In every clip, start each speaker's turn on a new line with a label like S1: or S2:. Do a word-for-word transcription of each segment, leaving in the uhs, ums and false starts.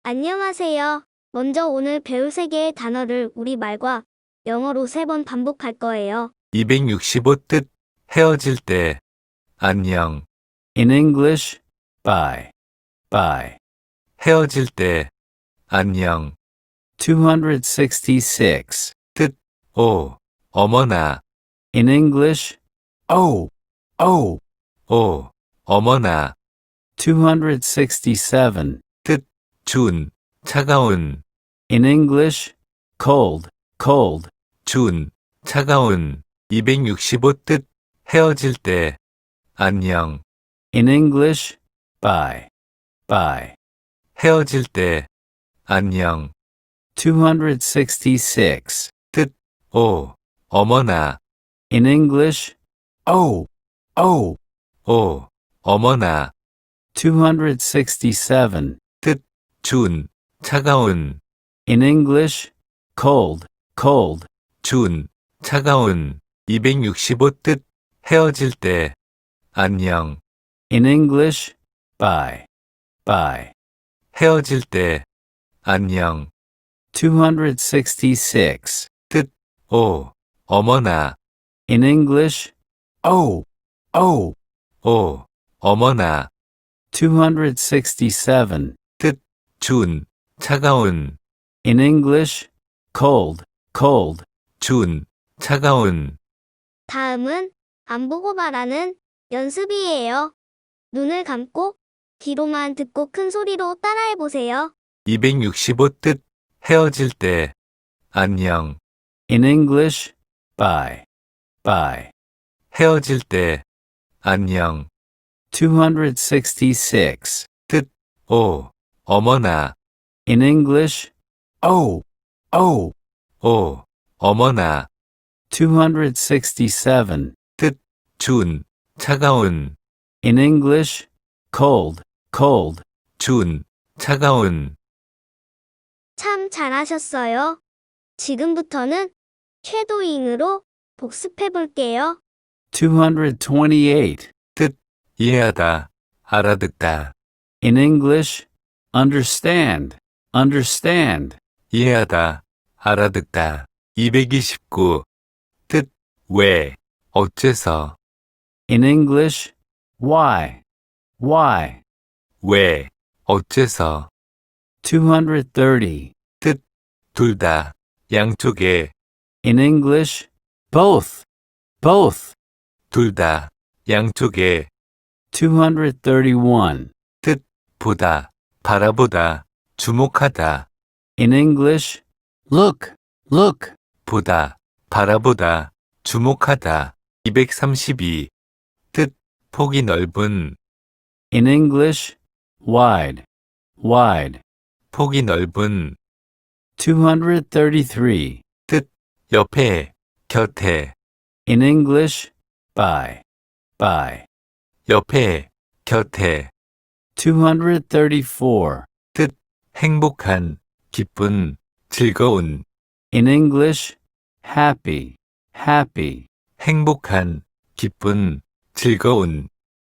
S1: 안녕하세요. 먼저 오늘 배울 세 개의 단어를 우리말과 영어로 세 번 반복할 거예요.
S2: 이백육십오 뜻 헤어질 때 안녕.
S3: In English, bye. Bye.
S2: 헤어질 때 안녕.
S3: two hundred sixty-six.
S2: 뜻 오 어머나.
S3: In English, oh, oh.
S2: 오 어머나.
S3: two hundred sixty-seven.
S2: 준 차가운.
S3: In English, cold, cold.
S2: 준 차가운. 이백육십오 뜻 헤어질 때 안녕.
S3: In English, bye. Bye.
S2: 헤어질 때 안녕.
S3: two hundred sixty-six.
S2: 오 어머나.
S3: In English, oh, oh.
S2: 오 어머나.
S3: two hundred sixty-seven.
S2: 준 차가운.
S3: In English, cold, cold.
S2: 준 차가운. 이백육십오 뜻 헤어질 때 안녕.
S3: In English, bye. Bye.
S2: 헤어질 때 안녕.
S3: two hundred sixty-six.
S2: 오 어머나.
S3: In English, oh, oh.
S2: 오 어머나.
S3: two hundred sixty-seven.
S2: 준 차가운.
S3: In English, cold, cold.
S2: 준 차가운.
S1: 다음은 안 보고 말하는 연습이에요. 눈을 감고 귀로만 듣고 큰 소리로 따라해 보세요.
S2: 이백육십오 뜻 헤어질 때 안녕.
S3: In English, bye. Bye.
S2: 헤어질 때 안녕.
S3: two hundred sixty-six.
S2: 오 어머나.
S3: In English, oh, oh.
S2: 오 어머나.
S3: two hundred sixty-seven.
S2: 준 차가운.
S3: In English, cold, cold.
S2: 준 차가운.
S1: 참 잘하셨어요. 지금부터는 쉐도잉으로 복습해 볼게요.
S3: two hundred twenty-eight.
S2: 이해하다. 알아듣다.
S3: In English, understand, understand.
S2: 이해하다. 알아듣다. 이백이십구 뜻 왜 어째서.
S3: In English, why, why.
S2: 왜 어째서.
S3: two hundred thirty.
S2: 둘 다 양쪽에.
S3: In English, both, both.
S2: 둘 다 양쪽에.
S3: two hundred thirty-one.
S2: 보다 바라보다 주목하다.
S3: In English, look, look.
S2: 보다 바라보다 주목하다. 이백삼십이 뜻 폭이 넓은.
S3: In English, wide, wide.
S2: 폭이 넓은.
S3: two hundred thirty-three.
S2: 옆에 곁에.
S3: In English, by, by.
S2: 옆에 곁에.
S3: two hundred thirty-four.
S2: 행복한 기쁜 즐거운.
S3: In English, happy, happy.
S2: 행복한 기쁜 즐거운.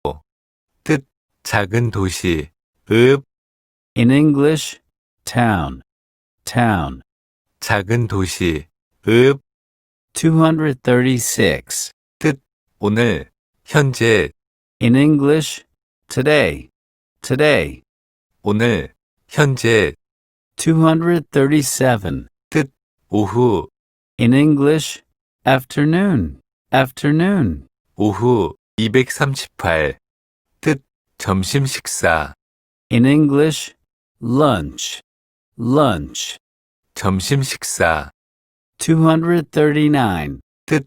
S2: 뜻 작은 도시. 읍
S3: In English, town, town.
S2: 작은 도시. 읍
S3: two hundred thirty-six.
S2: 오늘 현재.
S3: In English, today, today.
S2: 오늘 현재.
S3: two hundred thirty-seven.
S2: 오후.
S3: In English, afternoon, afternoon.
S2: 오후. 이백삼십팔 뜻 점심 식사.
S3: In English, lunch, lunch.
S2: 점심 식사.
S3: two hundred thirty-nine.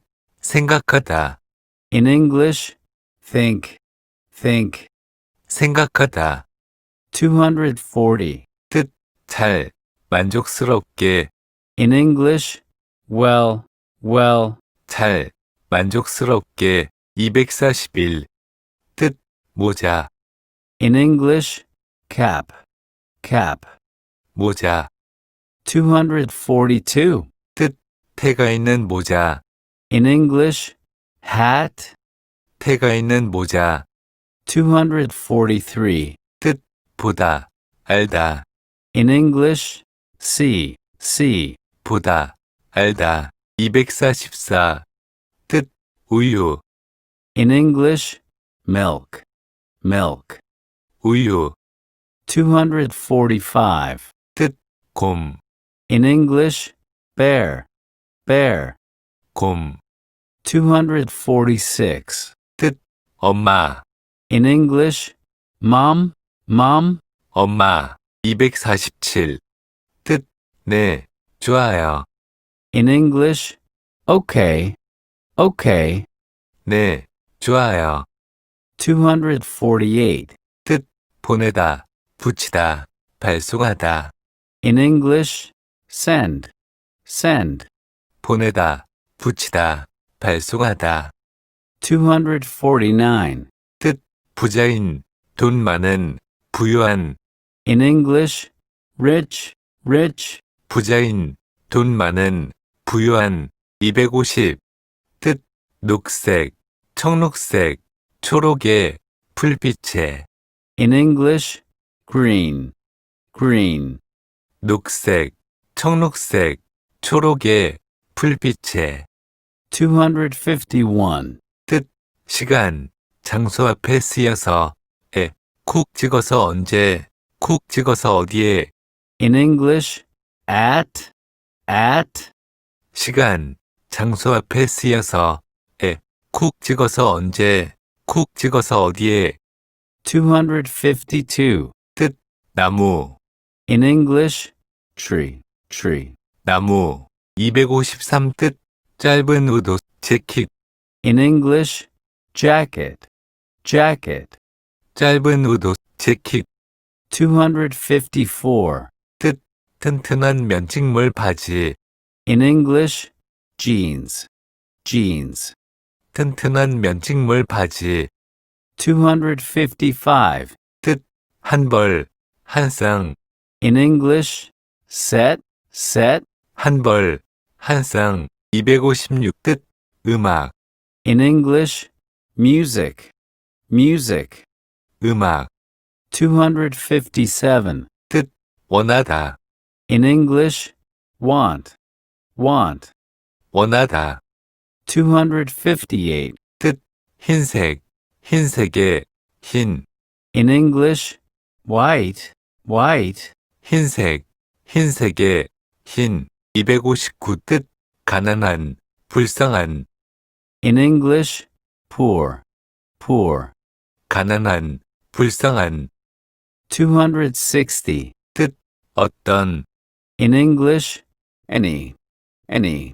S2: 생각하다.
S3: In English, think, think.
S2: 생각하다.
S3: two hundred forty.
S2: 잘 만족스럽게.
S3: In English, well, well.
S2: 잘 만족스럽게. 이백사십일 뜻 모자.
S3: In English, cap, cap.
S2: 모자.
S3: two hundred forty-two.
S2: 태가 있는 모자.
S3: In English, hat.
S2: 태가 있는 모자.
S3: two hundred forty-three.
S2: 보다 알다.
S3: In English, see, see.
S2: 보다, 알다. 이백사십사. 뜻, 우유,
S3: In English, milk, milk.
S2: 우유.
S3: two hundred forty-five.
S2: 뜻, 곰,
S3: In English, bear, bear.
S2: 곰.
S3: two hundred forty-six.
S2: 뜻, 엄마,
S3: In English, mom, mom.
S2: 엄마. 이백사십칠. 뜻, 네, 좋아요.
S3: In English, okay, okay.
S2: 네, 좋아요.
S3: two hundred forty-eight.
S2: 뜻, 보내다, 붙이다, 발송하다.
S3: In English, send, send.
S2: 보내다, 붙이다, 발송하다.
S3: two hundred forty-nine.
S2: 뜻, 부자인, 돈 많은, 부유한.
S3: In English, rich, rich.
S2: 부자인, 돈 많은, 부유한. 이백오십. 뜻, 녹색, 청록색, 초록의, 불빛의.
S3: In English, green, green.
S2: 녹색, 청록색, 초록의, 불빛의.
S3: two hundred fifty-one.
S2: 뜻, 시간, 장소 앞에 쓰여서, 에, 콕 찍어서 언제, 콕 찍어서 어디에.
S3: In English, at, at.
S2: 시간, 장소 앞에 쓰여서, 에, 콕 찍어서 언제, 콕 찍어서 어디에.
S3: two hundred fifty-two.
S2: 뜻, 나무,
S3: In English, tree, tree.
S2: 나무. 이백오십삼. 뜻, 짧은 의도, 재킷.
S3: In English, jacket, jacket.
S2: 짧은 의도, 재킷.
S3: two hundred fifty-four.
S2: 뜻, 튼튼한 면직물 바지.
S3: In English, jeans, jeans.
S2: 튼튼한 면직물 바지.
S3: two hundred fifty-five.
S2: 뜻, 한 벌, 한 쌍.
S3: In English, set, set.
S2: 한 벌, 한 쌍. 이백오십육. 뜻, 음악,
S3: In English, music, music.
S2: 음악.
S3: two hundred fifty-seven.
S2: 뜻, 원하다,
S3: In English, want, want.
S2: 원하다.
S3: two hundred fifty-eight.
S2: 뜻, 흰색, 흰색의, 흰.
S3: In English, white, white.
S2: 흰색, 흰색의, 흰. 이백오십구. 뜻, 가난한, 불쌍한.
S3: In English, poor, poor.
S2: 가난한, 불쌍한.
S3: two hundred sixty.
S2: 어떤,
S3: In English, any, any.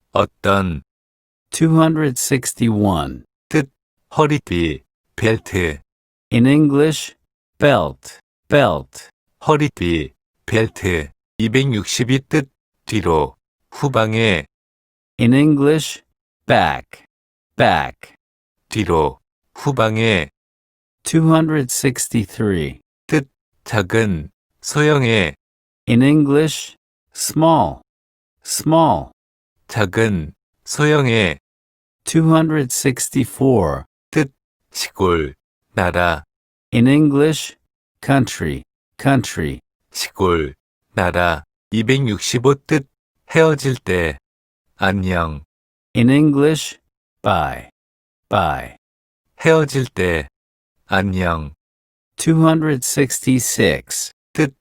S2: 어떤.
S3: two hundred sixty-one.
S2: 허리띠, 벨트.
S3: In English, belt, belt.
S2: 허리띠, 벨트. 이백육십이. 뜻, 뒤로, 후방에,
S3: In English, back, back.
S2: 뒤로, 후방에.
S3: two hundred sixty-three.
S2: 작은, 소형의,
S3: In English, small, small.
S2: 작은, 소형의.
S3: two hundred sixty-four.
S2: 시골, 나라.
S3: In English, country, country.
S2: 시골, 나라. 이백육십오. 뜻, 헤어질 때, 안녕.
S3: In English, bye, bye.
S2: 헤어질 때, 안녕.
S3: two hundred sixty-six.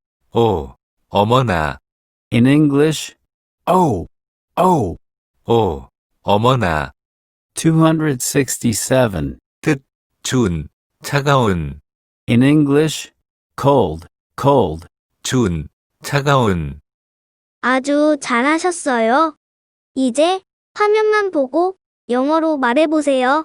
S2: 오, 어머나.
S3: In English, oh, oh.
S2: 오, 어머나.
S3: two hundred sixty-seven.
S2: 준, 차가운.
S3: In English, cold, cold.
S2: 준, 차가운.
S1: 아주 잘하셨어요. 이제 화면만 보고 영어로 말해보세요.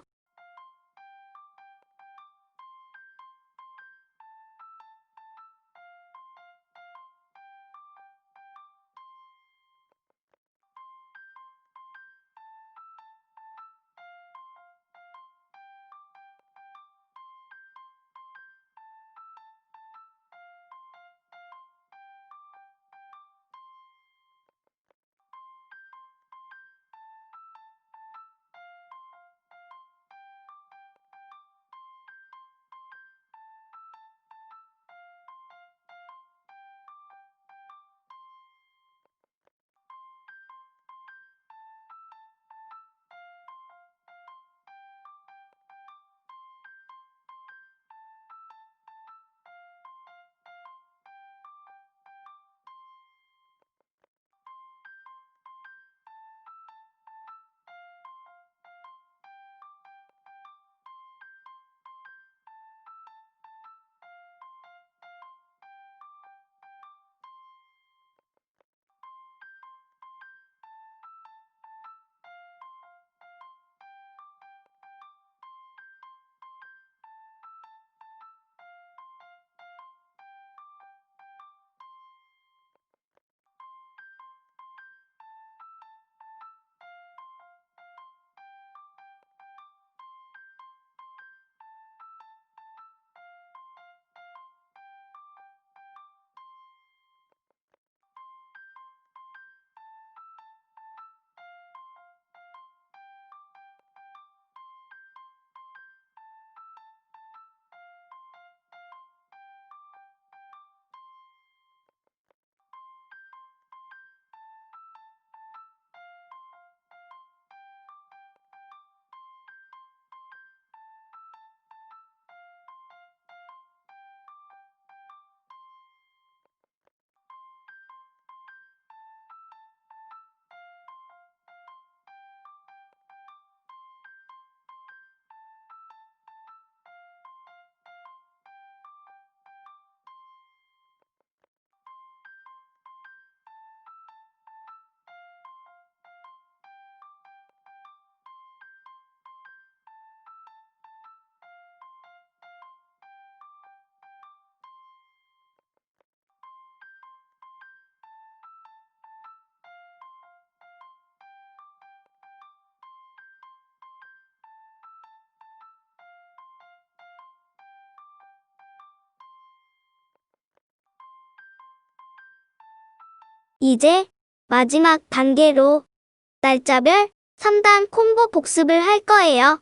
S1: 이제 마지막 단계로 날짜별 삼 단 콤보 복습을 할 거예요.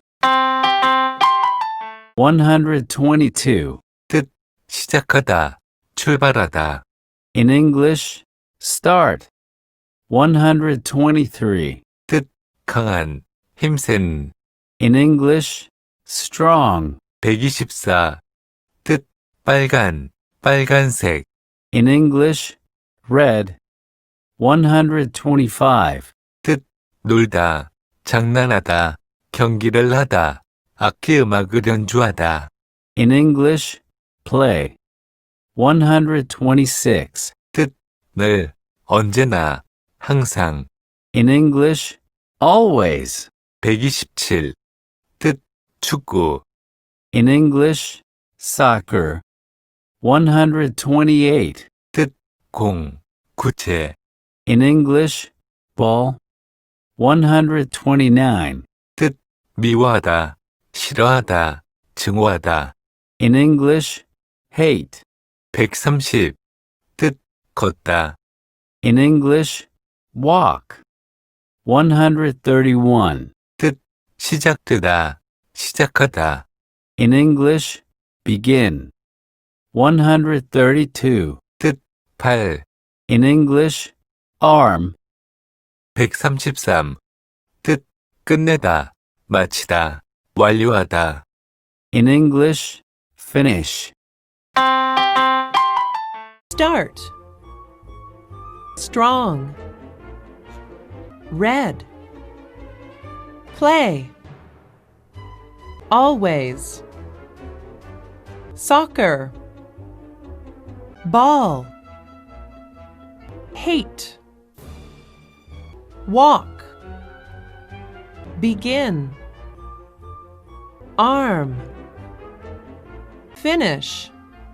S3: one hundred twenty-two.
S2: 시작하다, 출발하다.
S3: In English, start. one hundred twenty-three.
S2: 강한, 힘센.
S3: In English, strong.
S2: 백이십사. 뜻, 빨간, 빨간색.
S3: In English, red. one hundred twenty-five.
S2: 놀다, 장난하다, 경기를 하다, 악기 음악을 연주하다.
S3: In English, play. one hundred twenty-six.
S2: 늘, 언제나, 항상.
S3: In English, always.
S2: 백이십칠. 뜻, 축구.
S3: In English, soccer. one hundred twenty-eight.
S2: 공, 구체.
S3: In English, ball. one hundred twenty-nine.
S2: 미워하다, 싫어하다, 증오하다.
S3: In English, hate.
S2: 백삼십. 뜻, 걷다.
S3: In English, walk. one hundred thirty-one.
S2: 시작되다, 시작하다.
S3: In English, begin. one hundred thirty-two.
S2: 팔.
S3: In English, arm.
S2: 백삼십삼. 뜻, 끝내다, 마치다, 완료하다.
S3: In English, finish.
S4: Start. Strong. Red. Play. Always. Soccer. Ball. Hate. Walk. Begin. Arm. Finish.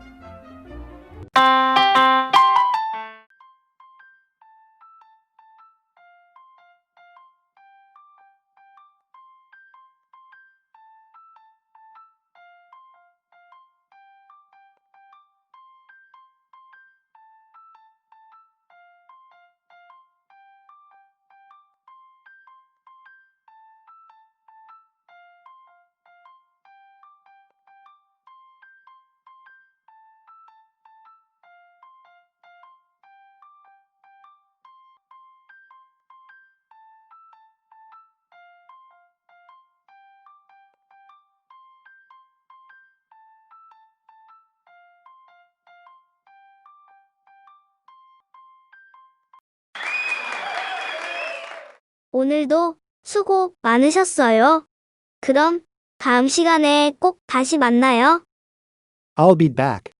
S1: 오늘도 수고 많으셨어요. 그럼 다음 시간에 꼭 다시 만나요.
S5: I'll be back.